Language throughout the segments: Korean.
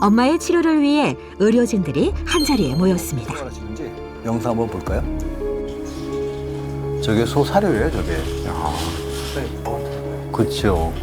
엄마의 치료를 위해 의료진들이 한자리에 모였습니다. 하시는지 영상 한번 볼까요? 저게 소 사료예요, 저게. 그렇죠.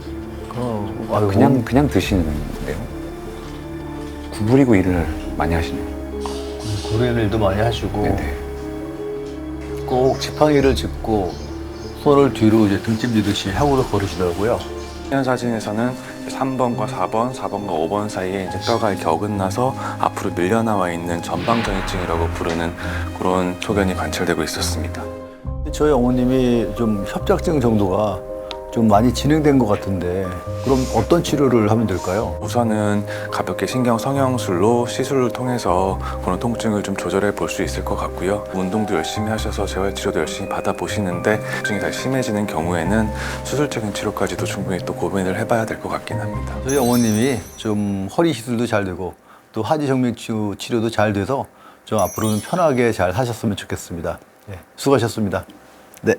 그냥 드시는데요? 구부리고 일을 많이 하시네요. 구리는 일도 많이 하시고 네네. 꼭 지팡이를 짚고 손을 뒤로 이제 등짐지듯이 하고도 걸으시더라고요. 현 사진에서는 3번과 4번, 4번과 5번 사이에 이제 뼈가 이렇게 어긋나서 앞으로 밀려나와 있는 전방전이증이라고 부르는 그런 소견이 관찰되고 있었습니다. 저희 어머님이 좀 협착증 정도가 좀 많이 진행된 것 같은데 그럼 어떤 치료를 하면 될까요? 우선은 가볍게 신경 성형술로 시술을 통해서 그런 통증을 좀 조절해 볼 수 있을 것 같고요. 운동도 열심히 하셔서 재활치료도 열심히 받아보시는데 통증이 더 심해지는 경우에는 수술적인 치료까지도 충분히 또 고민을 해봐야 될 것 같긴 합니다. 저희 어머님이 좀 허리 시술도 잘 되고 또 하지정맥 치료도 잘 돼서 좀 앞으로는 편하게 잘 하셨으면 좋겠습니다. 네, 수고하셨습니다. 네.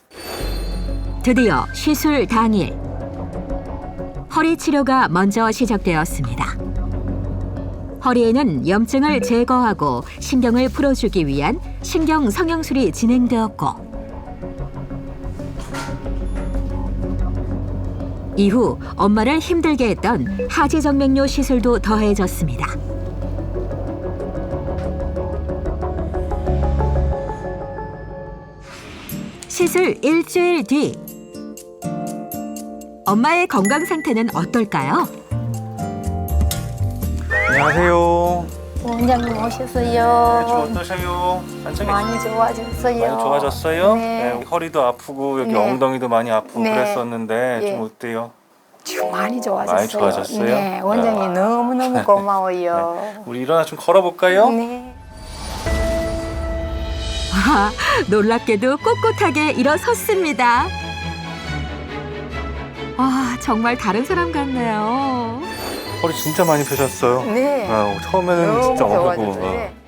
드디어 시술 당일. 허리 치료가 먼저 시작되었습니다. 허리에는 염증을 제거하고 신경을 풀어주기 위한 신경 성형술이 진행되었고 이후 엄마를 힘들게 했던 하지정맥류 시술도 더해졌습니다. 시술 일주일 뒤 엄마의 건강 상태는 어떨까요? 안녕하세요. 원장님 오셨어요. 어떠세요? 많이 좋아졌어요. 많이 좋아졌어요? 네. 허리도 아프고 여기 네. 엉덩이도 많이 아프고 네. 그랬었는데 예. 좀 어때요? 지금 많이 좋아졌어요. 많이 좋아졌어요? 네, 원장님 너무너무 고마워요. 우리 일어나 좀 걸어볼까요? 네. 아, 놀랍게도 꼿꼿하게 일어섰습니다. 아, 정말 다른 사람 같네요. 허리 진짜 많이 펴셨어요. 네. 처음에는 너무 진짜 어려고 좋아졌어요. 네.